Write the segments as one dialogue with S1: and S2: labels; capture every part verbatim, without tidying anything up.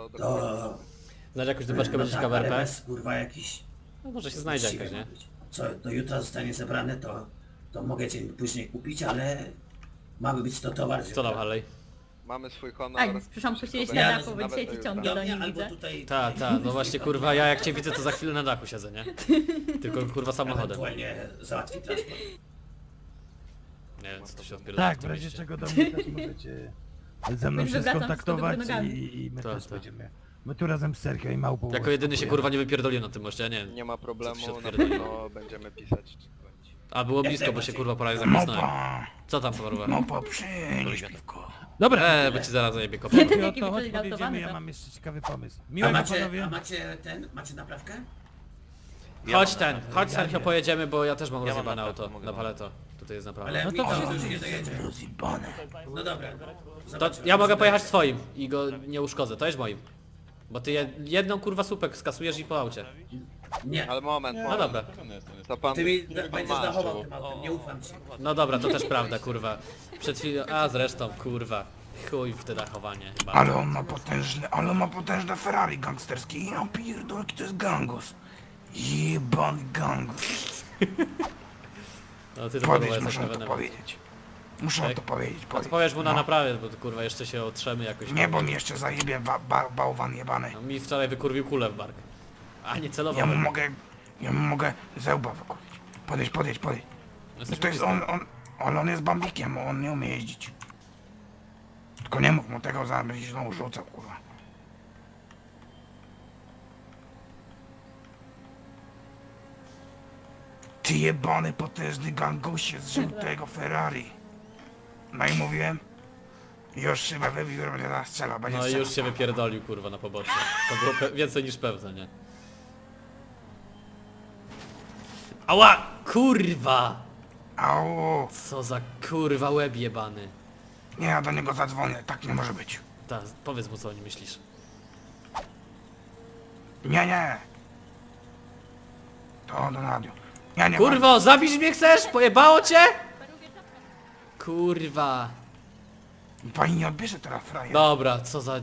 S1: to
S2: To...
S1: dokładnie.
S3: Znasz jakąś dupeczkę
S2: no
S3: będzie
S2: tak,
S3: ciekawa
S2: ale
S3: R P?
S2: bez, kurwa, jakiś...
S3: No może się znajdzie
S2: uczciwy
S3: jakaś,
S2: ma
S3: nie?
S2: być. Co, do jutra zostanie zebrane, to... To mogę cię później kupić, ale... Mamy być to towar z
S3: Co tam,
S2: jutra.
S3: Harley?
S1: Mamy swój honor.
S4: Tak, przepraszam, posiedzieć
S1: Wszystko
S4: na
S1: będzie,
S4: dachu, bo
S1: nawet
S4: dzisiaj
S1: do
S4: cię
S1: jutra.
S4: ciągnie
S2: Do
S4: do
S2: mnie
S4: niej,
S2: albo
S4: widzę.
S2: tutaj...
S3: Ta, ta, no właśnie kurwa, ja jak cię widzę to za chwilę na dachu siedzę, nie? Tylko kurwa samochodem.
S2: Ewentualnie załatwi transport.
S3: Nie wiem co tu się odpierdala.
S5: Tak, w razie czego do mnie też możecie ze mną się
S4: Wracam z
S5: skontaktować
S4: tyłu nogami.
S5: i, i my
S3: Tak,
S5: też
S3: tak.
S5: będziemy. My tu razem z Sergio i Małpą.
S3: Jako jedyny się
S5: skupujemy.
S3: kurwa nie wypierdolił na tym moście, ja nie wiem.
S1: Nie ma
S3: Co tu się
S1: problemu, na
S3: odpierdoli?
S1: pewno będziemy pisać.
S3: A było blisko, bo się kurwa prawie zapisnąłem.
S5: Małpa,
S3: Co tam kurwa?
S5: Małpa, przynieś piwko. Dobra,
S3: Eee, bo ci zaraz zajebie kopę.
S4: Jeden
S5: Sergio,
S4: jaki
S5: to chodź
S4: wygląda
S5: podjedziemy,
S4: autowany,
S5: ja
S4: to.
S5: mam jeszcze ciekawy pomysł.
S2: A
S5: Miłego
S2: macie, a
S5: panowie.
S2: macie ten? Macie naprawkę?
S3: Chodź ten, chodź Sergio
S5: nie.
S3: pojedziemy, bo ja też mam
S6: Ja mam
S3: rozjebane
S6: naprawdę,
S3: auto
S6: mogę
S3: na
S6: wam.
S3: paleto. Tutaj jest naprawa.
S2: Ale
S5: No
S2: mi
S5: to
S2: się
S5: wszyscy
S2: już nie dojedzie.
S5: rozjebane.
S2: No dobra.
S3: To
S2: Zobaczymy.
S3: ja mogę pojechać swoim i go nie uszkodzę, to jest moim. Bo ty jed- jedną kurwa słupek skasujesz i po aucie.
S2: Nie.
S1: Ale moment,
S3: No
S1: moment.
S3: dobra.
S1: To pan...
S2: Ty mi
S1: pan
S2: da, będziesz
S1: ma,
S2: dachował
S1: że-
S2: tym autem, nie ufam ci.
S3: No dobra, to też prawda kurwa. Przed chwilą, a zresztą kurwa. Chuj w te dachowanie chyba.
S5: Ale on ma potężne, ale on ma potężne Ferrari gangsterskie. Ja pierdolę, jaki to jest gangus. Jebany gangus.
S3: No ty to kurwa
S5: Powiedz,
S3: jesteś
S5: muszę mu to
S3: nowenem.
S5: powiedzieć. Muszę mu
S3: Tak?
S5: to powiedzieć,
S3: A to
S5: powiedz.
S3: powiesz mu na
S5: No.
S3: naprawę, bo to, kurwa jeszcze się otrzemy jakoś.
S5: Nie, bo mi jeszcze zajebie ba ba bałwan jebany.
S3: No, mi wczoraj wykurwił kulę w bark. A nie celował.
S5: Ja mu mogę, ja mu mogę zełba wykupić. Podejdź, podejdź, podejdź.
S3: No, jesteś
S5: To jest
S3: blisko.
S5: on, on, ale on jest bambikiem, on nie umie jeździć. Tylko nie mów mu tego, zaraz będzie się znowu rzucał, kurwa. Ty jebany potężny gangusie z żółtego Ferrari. No i mówiłem? Już szybę wybił, że będzie teraz strzelał, będzie
S3: No i
S5: strzelał.
S3: już się wypierdolił kurwa na pobocze. To było pe- więcej niż pewne, nie? Ała! Kurwa!
S5: Au,
S3: Co za kurwa łeb jebany.
S5: nie, ja do niego zadzwonię, tak nie może być.
S3: Ta, powiedz mu co o nim myślisz.
S5: Nie, nie. To do radiu. Ja nie
S3: Kurwo, zabić mnie chcesz? Pojebało cię? Kurwa.
S5: mam- Pani nie odbierze teraz frajer.
S3: Dobra, co za...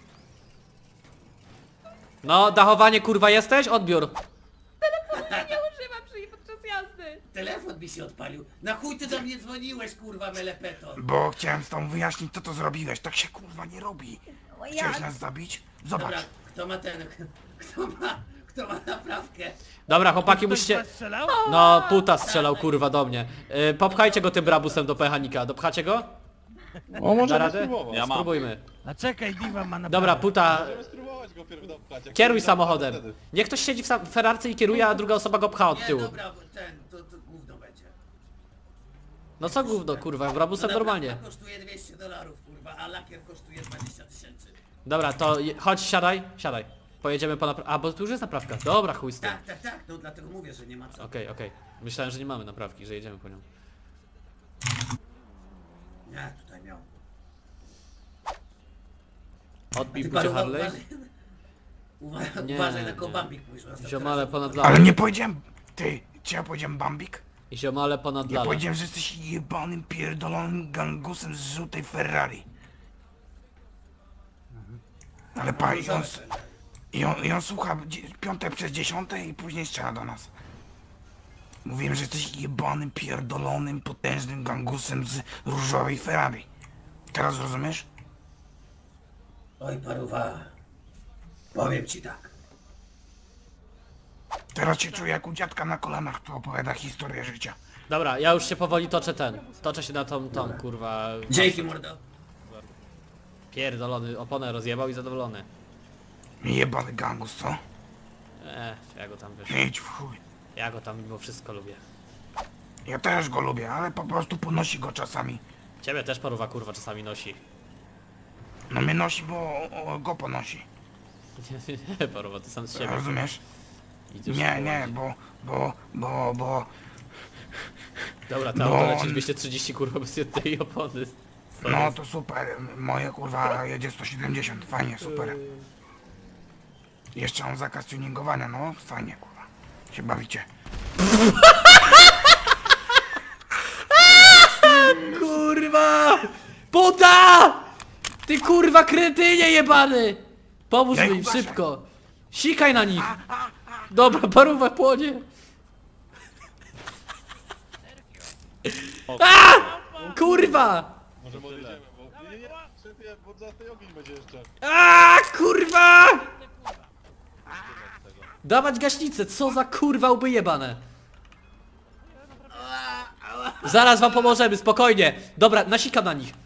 S3: No, dachowanie kurwa jesteś? Odbiór.
S4: Nie używam przy podczas jazdy.
S2: Telefon mi się odpalił. Na chuj ty do mnie dzwoniłeś, kurwa, melepeto.
S5: Bo chciałem z tą wyjaśnić, co to zrobiłeś. Tak się kurwa nie robi.
S4: O ja.
S5: Chciałeś nas zabić? Zobacz.
S2: Dobra, kto ma ten... Kto ma... Kto ma naprawkę?
S3: Dobra, chłopaki musicie... No, puta strzelał kurwa do mnie. Yy, popchajcie go tym brabusem do mechanika. Dopchacie go?
S6: O,
S3: Da
S6: możemy
S3: radę?
S6: spróbować. Ja mam.
S3: Spróbujmy.
S5: A czekaj, Diva ma na
S3: Dobra, puta,
S6: Możemy spróbować go pierw dopchać. jak
S3: kieruj
S6: się
S3: samochodem.
S6: wtedy.
S3: Niech ktoś siedzi w sa- w Ferrarce i kieruje, a druga osoba go pcha od
S2: Nie,
S3: tyłu.
S2: dobra, bo ten... To, to gówno będzie.
S3: No co gówno kurwa, brabusem
S2: No
S3: normalnie.
S2: naprawka kosztuje dwieście dolarów, kurwa, a lakier kosztuje dwadzieścia tysięcy.
S3: Dobra, to je- chodź, siadaj, siadaj. Pojedziemy po naprawkę. A, bo tu już jest naprawka. Dobra, chuj z tym.
S2: Tak, tak, tak, no dlatego mówię, że nie ma co.
S3: Okej, okej. Myślałem, że nie mamy naprawki, że jedziemy po nią.
S2: Nie, tutaj miał.
S3: Odbij
S2: Ty
S3: bucie
S2: paru,
S3: Harley.
S2: uważaj, uważaj,
S3: Nie,
S2: uważaj na
S3: nie.
S2: kołbambik, mówisz. bo następny
S3: Ziomale
S2: raz-
S3: ponad
S5: Ale
S3: lalę.
S5: nie powiedziałem... Ty, czy ja powiedziałem Bambik?
S3: I ziomale ponad
S5: Ja
S3: lalę.
S5: powiedziałem, że jesteś jebanym, pierdolonym gangusem z żółtej Ferrari. Ale pa, i on, s- i on, i on słucha dzie- piąte przez dziesiąte i później strzela do nas. Mówiłem, że jesteś jebanym, pierdolonym, potężnym gangusem z różowej Ferrari. Teraz rozumiesz?
S2: Oj, paruwa. Powiem ci tak.
S5: Teraz się czuję jak u dziadka na kolanach, który opowiada historię życia.
S3: Dobra, ja już się powoli toczę ten. Toczę się na tą, tą kurwa...
S2: Dzięki, mordo.
S3: Pierdolony, oponę rozjebał i zadowolony.
S5: Jebany gangus, co?
S3: Eee, ja go tam wiesz.
S5: Idź w chuj.
S3: Ja go tam mimo wszystko lubię.
S5: Ja też go lubię, ale po prostu ponosi go czasami.
S3: Ciebie też paruwa kurwa czasami nosi.
S5: No mnie nosi, bo o, o, go ponosi.
S3: Nie, nie, paruwa, ty sam z siebie.
S5: Rozumiesz?
S3: Idziesz
S5: Nie,
S3: po
S5: nie,
S3: łazie.
S5: bo, bo, bo, bo...
S3: Dobra, to
S5: No,
S3: auto leci
S5: on-
S3: dwieście trzydzieści kurwa bez jednej opony. Co
S5: No
S3: jest?
S5: to super, moje kurwa jedzie sto siedemdziesiąt, fajnie, super. Jeszcze mam zakaz tuningowania, no fajnie kurwa. Się bawicie.
S3: Kurwa! Puta! Ty kurwa kretynie jebany! Pomóż
S5: Ja ich
S3: im,
S5: ugaszę.
S3: szybko! Sikaj na nich! Dobra, parówa płonie! A! Kurwa!
S6: Może podjedziemy, bo... Nie, nie, nie, szefie, bo za tej ogień będzie jeszcze.
S3: A kurwa! Dawać gaśnicę, co za kurwa łby jebane! Zaraz wam pomożemy, spokojnie! Dobra, nasikam na nich.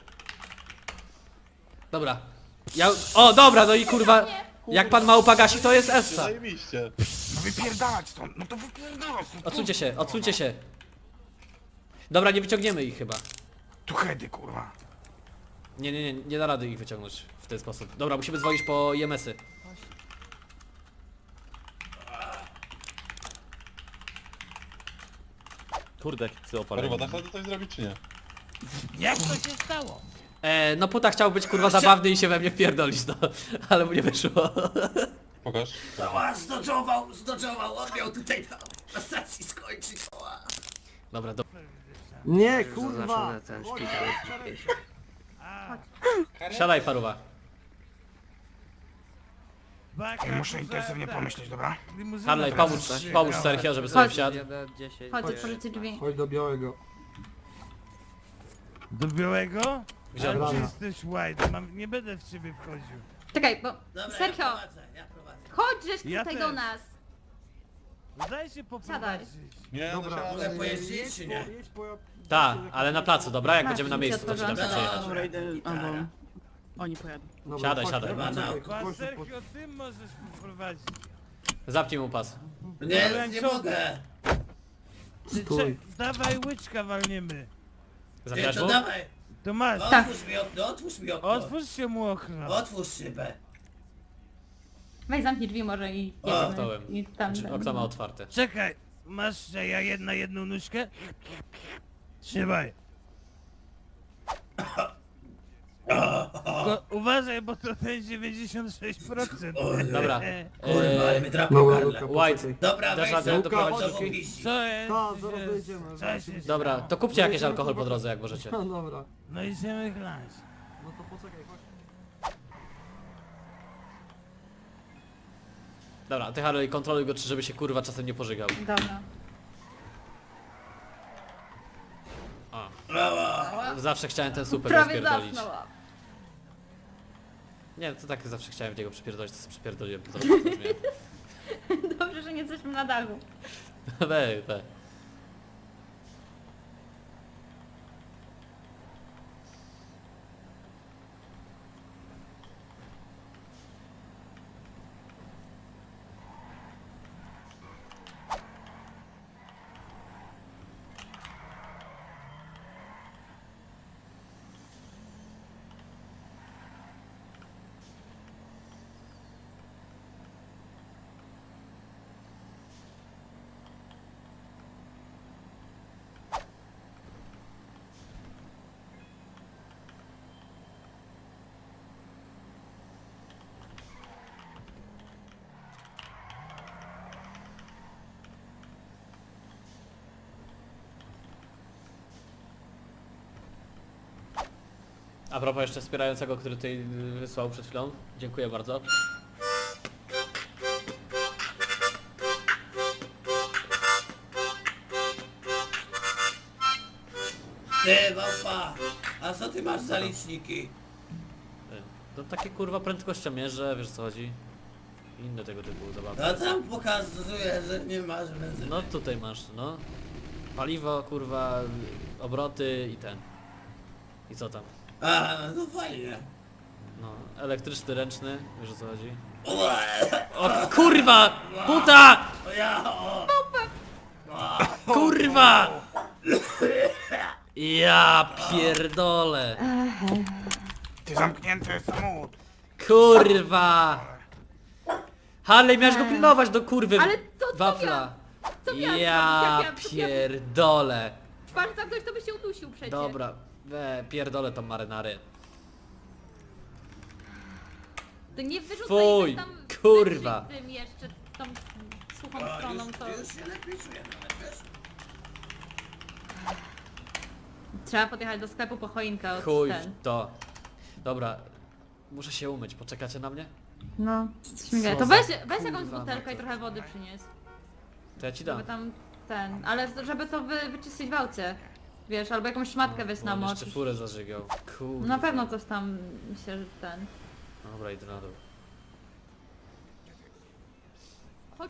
S3: Dobra. Ja... O, dobra, no i kurwa... Jak pan małpa gasi, to jest Essa.
S6: Zajebiście.
S5: No wypierdalać stąd, no to wypierdalać. No,
S3: Odsuńcie się, odsuńcie się. Dobra, nie wyciągniemy ich chyba.
S5: Tu hedy, kurwa.
S3: Nie, nie, nie, nie da rady ich wyciągnąć w ten sposób. Dobra, musimy dzwonić po I M S-y.
S7: Kurde, jak psy
S6: Kurwa,
S7: opaleni.
S6: dasz radę coś zrobić czy nie?
S8: Jak to się stało?
S3: E, no puta chciał być kurwa zabawny i się we mnie wpierdolić, no. Ale mu nie wyszło.
S6: Pokaż.
S2: Cała zdoczował, zdoczował, on miał tutaj na, na stacji skończyć. Ała.
S3: Dobra, do...
S9: Nie, kurwa!
S3: Siadaj paruwa.
S8: Baka,
S5: Ej, muszę
S8: muza-
S5: intensywnie
S8: tak.
S5: pomyśleć, dobra?
S8: Limuzyna
S3: Harley,
S8: teraz
S3: pomóż,
S8: przyjechała.
S3: pomóż Sergio, żeby sobie
S4: Chodź.
S3: wsiadł.
S4: Chodź, otworzycie drzwi.
S9: Chodź do białego.
S8: Do białego?
S3: Gdzie
S8: Ale
S9: on
S8: ty
S9: ma?
S8: jesteś white, mam, nie będę w ciebie wchodził.
S4: Czekaj, bo...
S2: Dobra,
S4: Sergio,
S2: ja prowadzę, ja prowadzę.
S4: chodź żeś
S8: Ja
S4: tutaj
S8: też.
S4: do nas.
S8: Daj się poprowadzić.
S6: Nie, no
S9: Dobra,
S6: siadaj.
S2: Mogę pojeździć czy nie?
S9: Jedź po...
S3: Ta, ale na placu, dobra? Jak
S4: Masz,
S3: będziemy na
S4: drzwi
S3: miejscu, to ci dam
S4: otworzone.
S3: przejechać.
S2: Dobra, idę, albo...
S4: Oni pojadą.
S9: Dobra,
S3: Siadaj,
S9: chodź,
S3: siadaj.
S9: dobra,
S2: Dobra,
S9: czekaj,
S8: Pan
S9: proszę,
S8: Sergio, ty możesz poprowadzić.
S3: Zapnij mu pas.
S2: Nie, nie mogę.
S8: Ty,
S9: Stój.
S8: cze- dawaj łyczka walniemy.
S2: Nie,
S3: Zapijasz
S2: to
S3: mu?
S2: dawaj.
S8: To masz.
S2: Otwórz mi okno, otwórz mi okno.
S8: Otwórz się mu okno.
S2: Otwórz szybę.
S4: Weź zamknij drzwi może i
S2: O,
S4: jedziemy.
S3: Zamknąłem.
S4: I tam...
S3: Czy okno ma otwarte.
S8: Czekaj, masz że ja jedna jedną nóżkę? Trzymaj. Tylko uważaj, bo to ten dziewięćdziesiąt sześć procent.
S3: Dobra.
S2: Kurwa, ale
S3: E,
S2: mnie trafił
S9: Dobra,
S2: Karle.
S9: Luka,
S3: White.
S9: poczekaj.
S2: Dobra,
S3: Dasz
S2: weź
S3: radę
S2: za
S3: doprowadzić
S2: to
S3: do drzwi?
S2: opiści.
S8: Co jest?
S9: Ta, zaraz
S8: że-
S9: dojedziemy,
S8: Co
S9: zaraz
S8: się
S9: się-
S3: Dobra, to kupcie jakiś alkohol po drodze, jak możecie.
S9: No dobra.
S8: No idziemy chlać.
S9: No to poczekaj, chodź.
S3: Dobra, ty Harley, kontroluj go, czy żeby się kurwa czasem nie pożygał.
S4: Dobra.
S3: A. Zawsze chciałem ten super
S4: Prawie
S3: rozpierdolić.
S4: zasnęła.
S3: Nie, to tak zawsze chciałem w niego przypierdolić, to sobie przypierdoliłem. To zrobię, to brzmi.
S4: Dobrze, że nie jesteśmy na dachu.
S3: We, we. A propos jeszcze wspierającego, który tutaj wysłał przed chwilą. Dziękuję bardzo.
S2: Ty, małpa, a co ty masz za liczniki?
S3: To takie kurwa prędkościomierze, wiesz co chodzi? Inne tego typu zabawy.
S2: No tam pokazuje, że nie masz benzyny.
S3: No tutaj masz, no. Paliwo, kurwa, obroty i ten. I co tam?
S2: A, no fajnie.
S3: No, elektryczny, ręczny, wiesz o co chodzi?
S2: Ua,
S3: O kurwa! Puta!
S2: o ja, o.
S3: Kurwa! Ja pierdolę!
S5: Ty zamknięty samochód.
S3: Kurwa! Harley, miałeś go pilnować do kurwy
S4: Ale to co
S3: wafla.
S4: miałam- co miałam
S3: Ja
S4: zrobić? Jak ja-
S3: pierdolę.
S4: Twarz zamknąć, to by się udusił przecież.
S3: Dobra, we, pierdolę tą marynarę.
S4: To nie wyrzucaj
S3: Fuj,
S4: tam
S3: kurwa.
S4: weź tym jeszcze tą suchą
S2: O,
S4: stroną,
S2: już,
S4: to...
S2: już się lepiej czuję nawet, wiesz?
S4: Trzeba podjechać do sklepu po choinkę od
S3: Chuj
S4: ten.
S3: w to. Dobra, muszę się umyć, poczekacie na mnie?
S4: No, śmigaj.
S3: Co
S4: To
S3: za
S4: weź, weź jakąś
S3: kurwa
S4: butelkę i
S3: motor.
S4: trochę wody przynieś.
S3: To ja ci
S4: Żeby
S3: dam.
S4: tam ten, ale żeby to wy, wyczyścić w aucie. Wiesz, albo jakąś szmatkę weź na
S3: On
S4: moc.
S3: jeszcze furę zażygał. Kurwa.
S4: Na pewno coś tam się ten...
S3: Dobra, idę na dół.
S4: Chodź.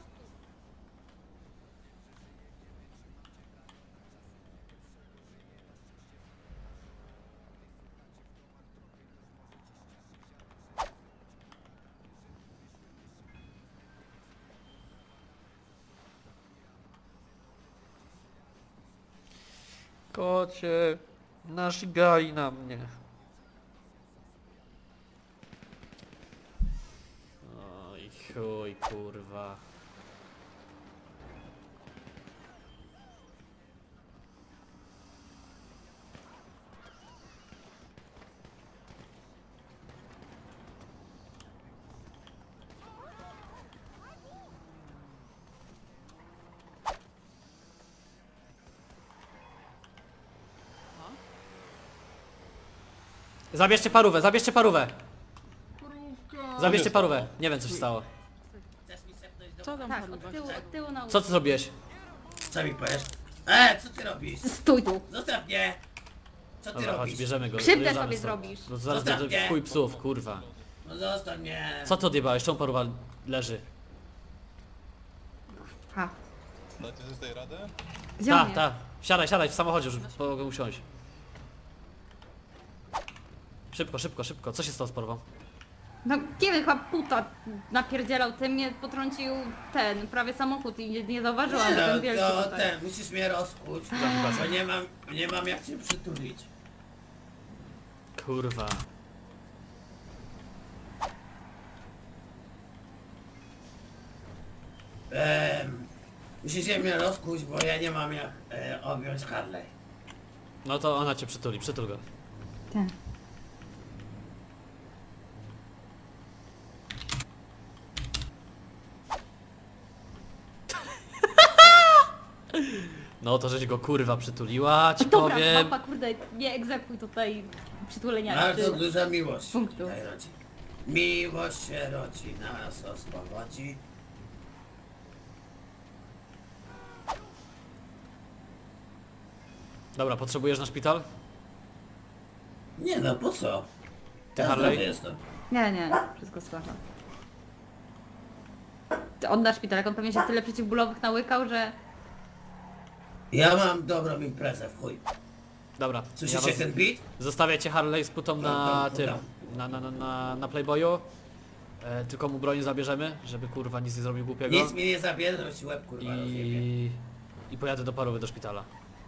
S3: Kocie, nażgali na mnie. Oj chuj, kurwa. Zabierzcie parówę, zabierzcie parówę! Zabierzcie parówę, nie wiem co się stało.
S2: Chcesz mi sepnąć do...
S4: Co tam tak, od tyłu, od tyłu na
S3: Co ty zrobiłeś?
S2: Co mi powiesz? E, co ty robisz?
S4: Stój tu!
S2: Zostaw mnie! Co ty
S3: Dobra, chodź,
S2: robisz?
S3: bierzemy go.
S4: Krzywdę
S3: odjeżdżamy
S4: sobie
S3: stąd.
S4: zrobisz.
S3: No to zaraz
S2: Zostaw
S3: będzie
S2: mnie.
S3: w chuj psów, kurwa.
S2: No zostaw mnie!
S3: Co ty odjebałeś? Czemu paruwa leży?
S4: Ha.
S6: Dacie sobie z tej radę?
S4: Gdzie on
S3: Ta,
S4: jest?
S3: ta. Siadaj, siadaj w samochodzie, już mogę usiąść. Szybko, szybko, szybko. Co się stało z parową?
S4: No kiedy chyba puta napierdzielał, ty mnie potrącił ten, prawie samochód i nie, nie zauważyłam,
S2: Nie
S4: że ten
S2: no,
S4: wielki
S2: to
S4: tutaj.
S2: ten, musisz mnie rozkuć, bo nie mam, nie mam jak cię przytulić.
S3: Kurwa.
S2: Ehm, musicie mnie rozkuć, bo ja nie mam jak e, objąć Harley.
S3: No to ona cię przytuli, przytul go.
S4: Tak.
S3: No to żeś go kurwa przytuliła, ci
S4: Dobra,
S3: powiem.
S4: mapa, kurde, nie egzekuj tutaj przytulenia.
S2: Bardzo
S4: czy-
S2: duża miłość
S4: Punktu.
S2: tutaj rodzi. Miłość się rodzi, nas oswobodzi.
S3: Dobra, potrzebujesz na szpital?
S2: Nie no, po co? Ja
S3: Harley?
S2: zdrowy jestem.
S4: Nie, nie, wszystko słyszę. Ty oddasz szpitalek, on pewnie się tyle przeciwbólowych nałykał, że...
S2: Ja mam dobrą imprezę w chuj.
S3: Dobra. Ja
S2: Słyszycie
S3: was...
S2: ten beat?
S3: Zostawię cię Harley z putą na
S2: Dobra,
S3: tym,
S2: dobra.
S3: na, na, na, na, na Playboyu. E, tylko mu broń zabierzemy, żeby kurwa nic nie zrobił głupiego.
S2: Nic mi nie zabierze, bo ci łeb kurwa rozjebie.
S3: I... I pojadę do parówy do szpitala.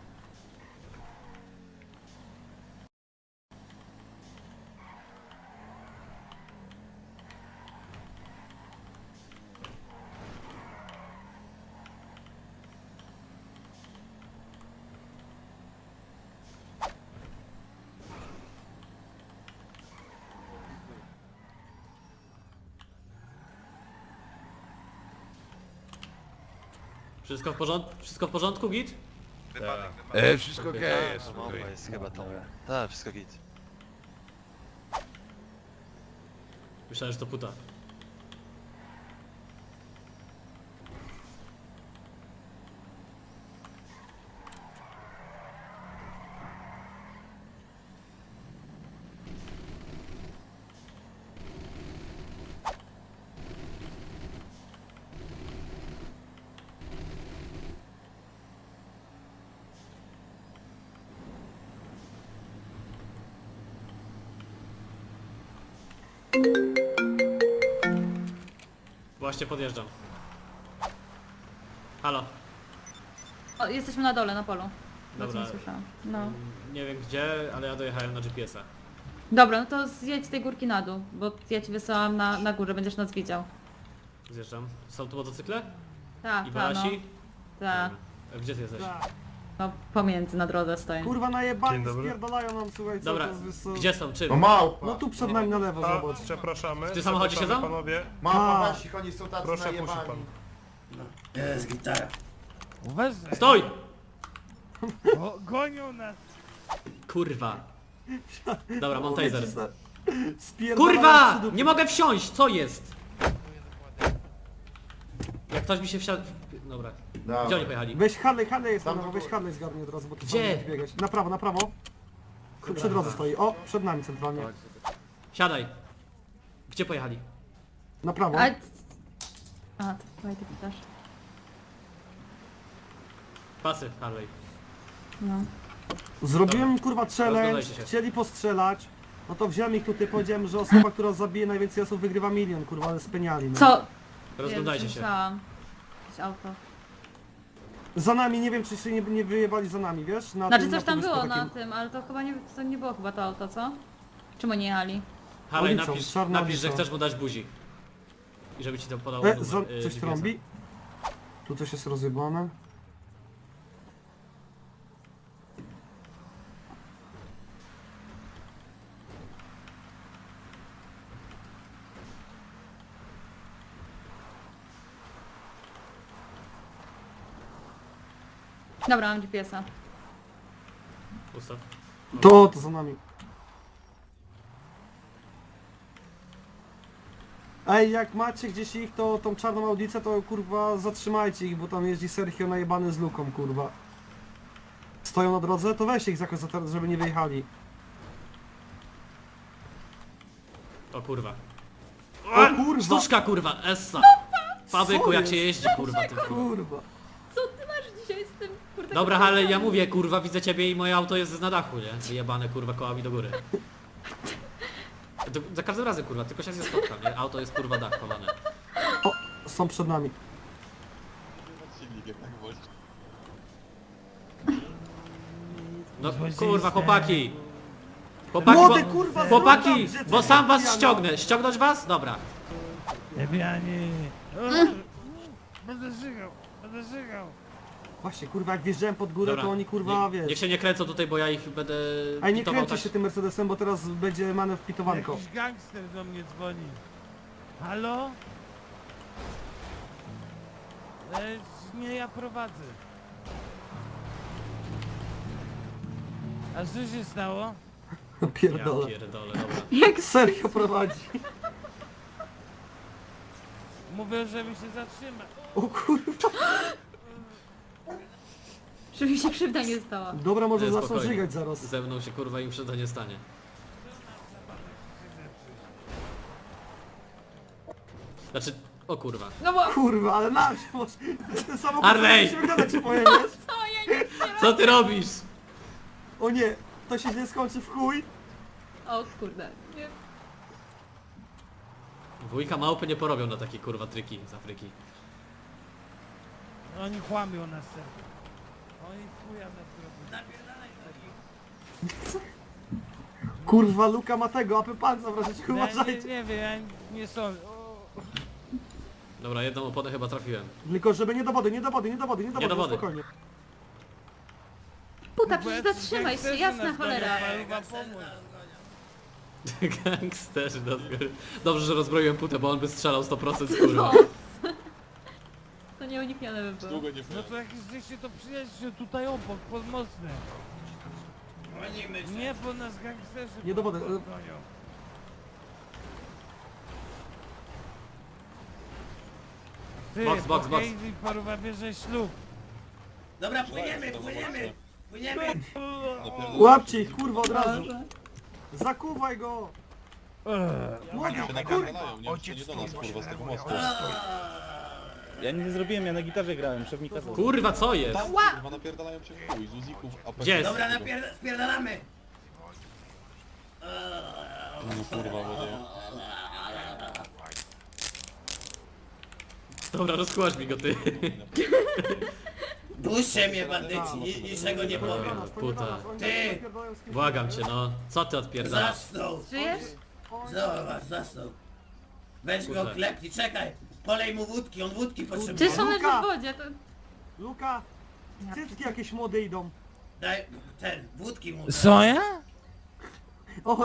S3: Wszystko w porządku? Wszystko w porządku, git?
S1: Wypadek, wypadek.
S5: E, wszystko okej
S3: Okej.
S5: jest,
S7: Bomba
S5: spokojnie.
S7: jest chyba tam. Tak, wszystko git.
S3: Myślałem, że to puta. Właśnie podjeżdżam. Halo.
S4: O, jesteśmy na dole, na polu. Bo
S3: Dobra.
S4: co nie słyszałam. No.
S3: Nie wiem gdzie, ale ja dojechałem na G P S a.
S4: Dobra, no to zjedź z tej górki na dół, bo ja ci wysyłam na, na górze, będziesz nas widział.
S3: Zjeżdżam. Są tu motocykle?
S4: Tak,
S3: I
S4: tak, no.
S3: Walasi?
S4: Tak,
S3: A gdzie ty jesteś?
S9: Tak.
S4: no pomiędzy na drodze stoję.
S9: Kurwa najebani,
S6: Dzień dobry.
S9: spierdalają nam, słuchaj, co
S3: Dobra,
S9: to jest... co-
S3: gdzie są? Czym?
S10: No małpa.
S9: No tu przed nami na lewo,
S6: A,
S9: zobacz.
S6: przepraszamy.
S3: W tym samochodzie
S6: przepraszamy,
S3: siedzą?
S6: Panowie,
S10: Małpa,
S9: Tak.
S10: weź ich, oni są tacy
S6: proszę puści
S10: najebani.
S6: pan.
S2: Jest gitara.
S8: Uważaj.
S3: Stój!
S8: Go, gonią nas.
S3: Kurwa. Dobra, mam taser.
S9: Spierdalałem
S3: Kurwa!
S9: przy dupie.
S3: Nie mogę wsiąść, co jest? Jak ktoś mi się wsiadł... Dobra. Gdzie oni pojechali?
S9: Weź Harley, Harley jest na lewo, weź Harley zgarnij od razu, bo tu
S3: Gdzie?
S9: fajnie biegać. Na prawo, na prawo. Przy przy drodze stoi. O, przed nami centralnie.
S3: Siadaj. Gdzie pojechali?
S9: Na prawo.
S4: A... A, to chyba ty pytasz.
S3: Pasy, Harley.
S4: No.
S9: Zrobiłem kurwa challenge,
S3: Rozglądajcie się.
S9: chcieli postrzelać. No to wziąłem ich tutaj, powiedziałem, że osoba, która zabije najwięcej osób wygrywa milion, kurwa, ale speniali. No.
S4: Co?
S3: Rozglądajcie
S4: Jezu,
S3: się.
S4: myślałam. Jakieś auto.
S9: Za nami, nie wiem czy się nie, nie wyjebali za nami, wiesz? Na
S4: Znaczy
S9: tym,
S4: coś
S9: na
S4: tam
S9: tym
S4: było
S9: takim-
S4: na tym, ale to chyba nie, to nie było chyba to auto, co? Czemu nie jechali?
S3: Harley,
S9: Ulicą,
S3: napisz,
S9: czarna
S3: napisz, że
S9: ulica.
S3: chcesz mu dać buzi. I żeby ci to podał
S9: E,
S3: numer,
S9: za,
S3: y,
S9: coś
S3: G P S-a.
S9: trąbi? Tu coś jest rozjebane.
S4: Dobra, mam G P S-a.
S3: Ustaw.
S9: To, to za nami. Ej, jak macie gdzieś ich, to tą czarną audicę, to kurwa zatrzymajcie ich, bo tam jeździ Sergio najebany z luką, kurwa. Stoją na drodze, to weźcie ich jakoś za teraz, żeby nie wyjechali.
S3: O kurwa.
S9: O kurwa!
S3: Sztuczka kurwa, Essa. Fabyku,
S9: Co
S3: jak
S9: jest?
S3: się jeździ kurwa tym.
S9: Kurwa.
S4: Co ty masz dzisiaj z tym kurde?
S3: Dobra, ale ja mówię kurwa, widzę ciebie i moje auto jest na dachu, nie? Wyjebane kurwa kołami do góry. To, za każdym razem kurwa, tylko się nie spotkam, nie? Auto jest kurwa dach chowane.
S9: O, są przed nami.
S6: Silnikiem, tak wolno.
S3: No
S8: Złodziejstwo.
S3: kurwa chłopaki! Chłopaki,
S9: Młody
S3: bo,
S9: kurwa,
S3: chłopaki,
S9: zrób tam,
S3: bo
S9: że
S3: sam was
S9: pijana.
S3: ściągnę. Ściągnąć was? Dobra.
S8: Lepianie. Będę żygał, będę żygał.
S9: Właśnie, kurwa, jak wjeżdżałem pod górę,
S3: Dobra.
S9: to oni kurwa,
S3: Nie, niech
S9: wiesz.
S3: się nie kręcą tutaj, bo ja ich będę
S9: Ej, nie
S3: pitował
S9: kręćcie
S3: tak.
S9: się tym Mercedesem, bo teraz będzie manewr pitowanko.
S8: Jakiś gangster do mnie dzwoni. Halo? E, nie, ja prowadzę. A co się stało?
S3: Ja
S9: Pierdolę.
S3: pierdolę, dobra.
S4: Jak
S9: Sergio prowadzi.
S8: Mówię, żeby się zatrzymać.
S9: O kurwa.
S4: żeby mi się krzywda nie stała.
S9: Dobra, może
S3: Nie,
S9: zaczną
S3: spokojnie.
S9: żygać zaraz.
S3: Ze mną się kurwa im krzywda nie stanie. Znaczy, o kurwa.
S4: No bo...
S9: Kurwa, ale nasz, może ten samochód
S3: Harley!
S9: musimy gadać się pojedziesz.
S4: Co ja nic nie
S3: Co ty robisz?
S9: O nie, to się źle skończy w chuj.
S4: O kurde. Nie.
S3: Wujka małpy nie porobią na takie kurwa triki z Afryki.
S8: Oni kłamią nas serce. Oni chuja nas robią.
S9: Kurwa, Luka ma tego, apy panca w razie czego
S8: Ja nie,
S9: uważajcie.
S8: nie wiem, ja nie sądzę.
S3: Dobra, jedną oponę chyba trafiłem.
S9: Tylko żeby nie do wody, nie do wody, nie do wody, nie do
S3: Nie
S9: wody,
S3: do wody.
S9: spokojnie.
S4: Puta, przecież zatrzymaj się, jasna cholera.
S8: Chyba pomóc.
S3: Gangsterzy na zgóry. Dobrze, że rozbroiłem putę, bo on by strzelał sto procent kurwa.
S4: No. To nieuniknione by było.
S6: Długo nie
S8: No to jak żeście to przyjaźnie tutaj obok, pod mostem. Nie, bo nas gangsterzy
S9: Nie do wody.
S8: gonią. Ty,
S3: Box, box, box.
S8: i paruwa bierze ślub.
S2: Dobra, płyniemy, płyniemy, płyniemy.
S9: Łapcie ich, kurwa, od razu. Zakuwaj go.
S8: Eee,
S9: Młody,
S6: się
S9: kurwa.
S6: napierdalają, nie, czy nie do nas kurwa z tego mostu.
S10: Ja nic nie zrobiłem, ja na gitarze grałem, szefnika z...
S3: Kurwa, co jest?
S6: Tam kurwa napierdalają się w chuj, z uzików, a
S3: Gdzie jest?
S2: Dobra, napierda- spierdalamy.
S6: No kurwa, będzie.
S3: Dobra, rozkłasz mi go ty.
S2: Puśćcie mnie, bandyci, ni- niczego nie powiem.
S3: Puta.
S2: Ty!
S3: Błagam cię, no. Co ty odpierdalasz?
S2: Zasnął.
S4: Żyjesz?
S2: Zobacz, zasnął. Weź go
S3: Kurde.
S2: klepnij, czekaj. Polej mu wódki, on wódki
S4: Przecież
S2: potrzebuje.
S4: on leży
S9: Luka!
S4: w wodzie, to...
S9: Luka, cycki jakieś młode idą.
S2: Daj, ten, wódki mu.
S8: Co ja?